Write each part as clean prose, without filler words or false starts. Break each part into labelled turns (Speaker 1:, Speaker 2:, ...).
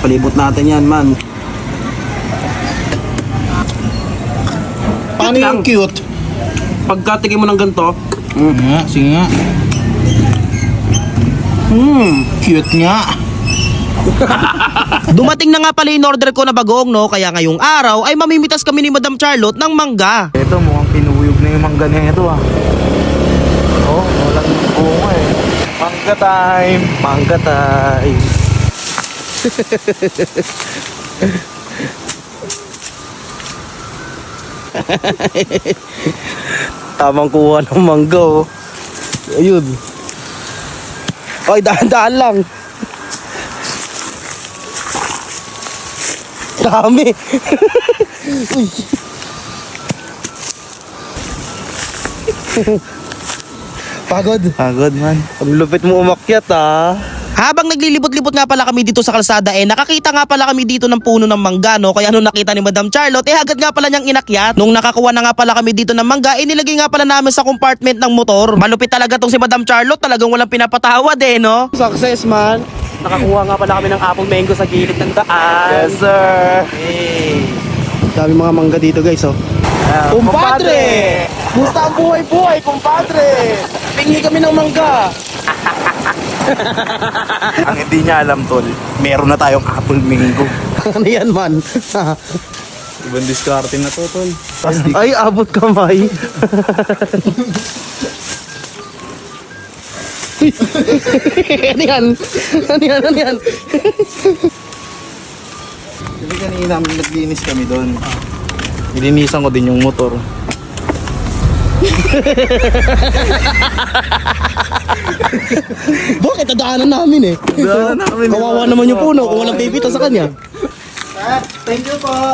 Speaker 1: palibot natin yan, man.
Speaker 2: Paano yung cute?
Speaker 1: Pagkatikin mo ng ganito,
Speaker 2: Nga, sige nga. Cute nga.
Speaker 3: Dumating na nga pala in order ko na bagoong, no? Kaya ngayong araw ay mamimitas kami ni Madam Charlotte ng mangga.
Speaker 2: Ito, mukhang pinuyog na yung mangga na ito ah. Oh, walang bunga eh. Mangga time! Mangga time!
Speaker 1: tamang kuha ng mangga, oh. Ayun. Ay, dahan-dahan lang. Dami. Uy. Pagod.
Speaker 2: Pagod man.
Speaker 1: Ang lupit mo umakyat, ah.
Speaker 3: Habang naglilibot-libot nga pala kami dito sa kalsada, nakakita nga pala kami dito ng puno ng mangga, no? Kaya nung nakita ni Madam Charlotte, agad nga pala niyang inakyat. Nung nakakuha na nga pala kami dito ng mangga, nilagay nga pala namin sa compartment ng motor. Malupit talaga tong si Madam Charlotte, talagang walang pinapatawad no?
Speaker 1: Success, man. Nakakuha nga pala kami ng apple mango sa gilid ng daan.
Speaker 2: Yes, sir!
Speaker 1: Hey. Dami mga mangga dito, guys, oh. Kumpadre! Musta ang buhay-buhay, kumpadre? Pingi kami ng mangga.
Speaker 2: Ang hindi niya alam, tol, meron na tayong apple mango.
Speaker 1: Ano yan, man?
Speaker 2: Ibang diskarte na to, tol.
Speaker 1: Ay, abot kamay. Ano yan? Ano yan? Ano yan?
Speaker 2: Kasi kanina naglinis kami doon. Nilinisan ko din yung motor.
Speaker 1: Bakit? Nadaanan namin, eh.
Speaker 2: Nadaanan namin.
Speaker 1: Kawawa naman yung puno kung walang pipita sa kanya.
Speaker 2: Thank you po.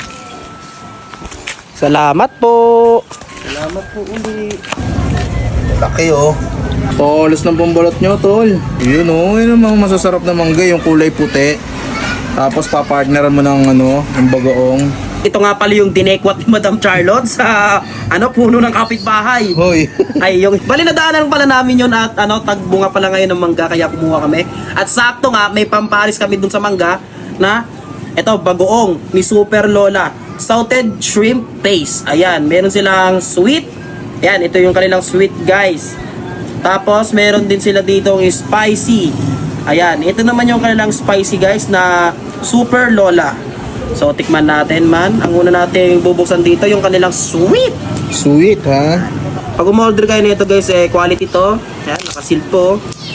Speaker 1: Salamat po.
Speaker 2: Salamat po uli. Laki oh. Tolos ng pambalot nyo, tol. Yun oh, yun ang mga masasarap na mangga, yung kulay puti. Tapos papartneran mo ng yung bagoong.
Speaker 3: Ito nga pala yung dinekwat ni Madam Charlotte sa puno ng kapitbahay.
Speaker 2: Hoy.
Speaker 3: Ay, yung bali nadaanan pala namin yun at tagbunga pala ngayon ng mangga kaya kumuha kami. At sakto nga may pamparis kami dun sa mangga na ito bagoong ni Super Lola, salted shrimp paste. Ayan, meron silang sweet. Ayan, ito yung kanilang sweet, guys. Tapos meron din sila ditong spicy. Ayan, ito naman yung kanilang spicy, guys, na Super Lola. So tikman natin, man. Ang una nating bubuksan dito yung kanilang sweet.
Speaker 2: Sweet, ha?
Speaker 3: Pag umorder kayo nito, guys, quality to. Ayan, nakasil po.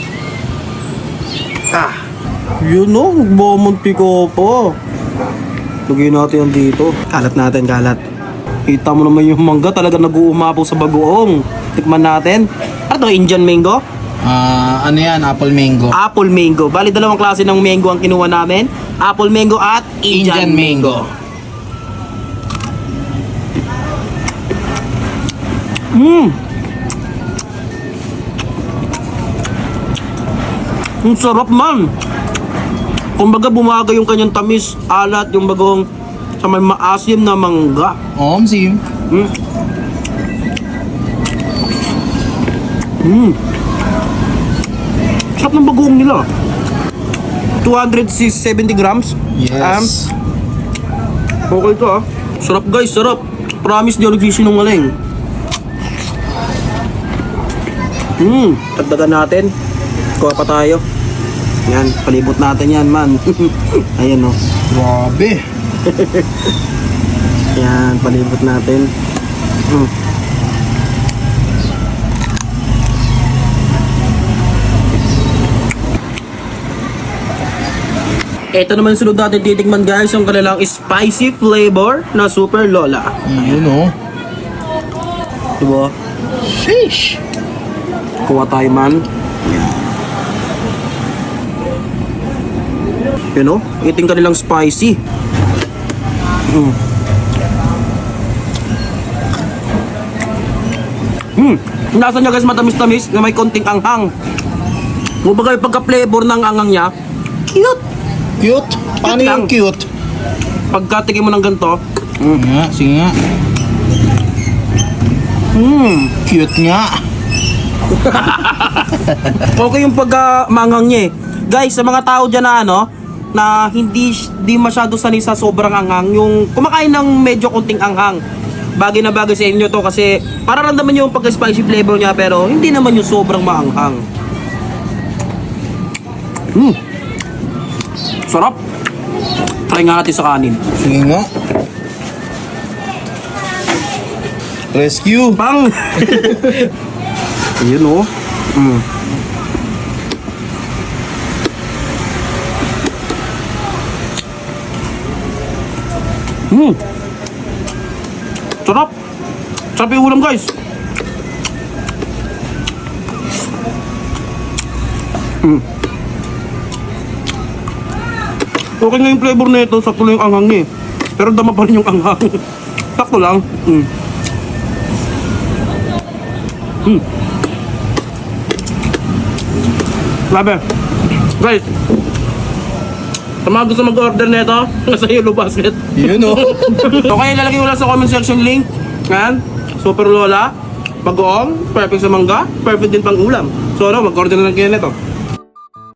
Speaker 1: Yun, no? Magmamunti ko po. Lagyan natin yan dito. Kalat natin, kalat. Kita mo naman yung mangga, talaga nag-uumapaw sa bagoong. Tikman natin. Ano to, Indian mango?
Speaker 2: Ano yan? Apple mango.
Speaker 3: Apple mango. Bali, dalawang klase ng mango ang kinuha namin. Apple mango at Indian mango.
Speaker 1: Ang sarap, man. Kumbaga bumaga yung kanyang tamis, alat yung bagong sa may maasim na mangga.
Speaker 2: Sim.
Speaker 1: Sarap ng bagoong nila. 270 grams.
Speaker 2: Yes.
Speaker 1: Okay to, ah. Sarap, guys, sarap. Promise di ako nagsisinungaling. Tagdagan natin. Kuha pa tayo. Yan, palibot natin yan, man. Ayan, oh.
Speaker 2: Grabe.
Speaker 1: Yan, palibot natin. Ito naman sunod natin titikman, guys, yung kanilang spicy flavor na Super Lola.
Speaker 2: Yun oh.
Speaker 1: Diba?
Speaker 2: Sheesh.
Speaker 1: Kuha tayo, man. Yan, oh. Iting kanilang spicy. Nasa niya, guys, matamis-tamis na may konting anghang. Kumbaga yung pagka-flavor ng anghang niya, cute.
Speaker 2: Cute? Paano
Speaker 1: Cute
Speaker 2: yung
Speaker 1: lang.
Speaker 2: cute?
Speaker 1: Pagkatikin mo ng ganito,
Speaker 2: Nga, sige nga. Cute nga.
Speaker 1: okay yung pagka-manghang niya, eh. Guys, sa mga tao dyan na
Speaker 3: na hindi masyado sanay sa sobrang anghang, yung kumakain ng medyo konting anghang. Bagay na bagay sa inyo to kasi para ramdaman nyo yung pagka-spicy flavor niya pero hindi naman yung sobrang maanghang. Sarap. Try nga natin sa kanin.
Speaker 2: Sige nga. Rescue.
Speaker 3: Bang!
Speaker 1: Ayun oh.
Speaker 3: Sarap! Sarap yung ulam guys! Okay nga yung flavor na ito, sakto lang yung anghang niya eh. Pero dama pa rin yung anghang. Sakto lang. Grabe. Guys, sa mga gusto mag-order na ito, nasa Yellow Basket.
Speaker 2: Yun oh.
Speaker 3: Okay, lalagay ko lang sa comment section link. Yan, Super Lola, bagoong, perfect sa mangga, perfect din pang ulam. So ano, mag-order na lang kayo nito.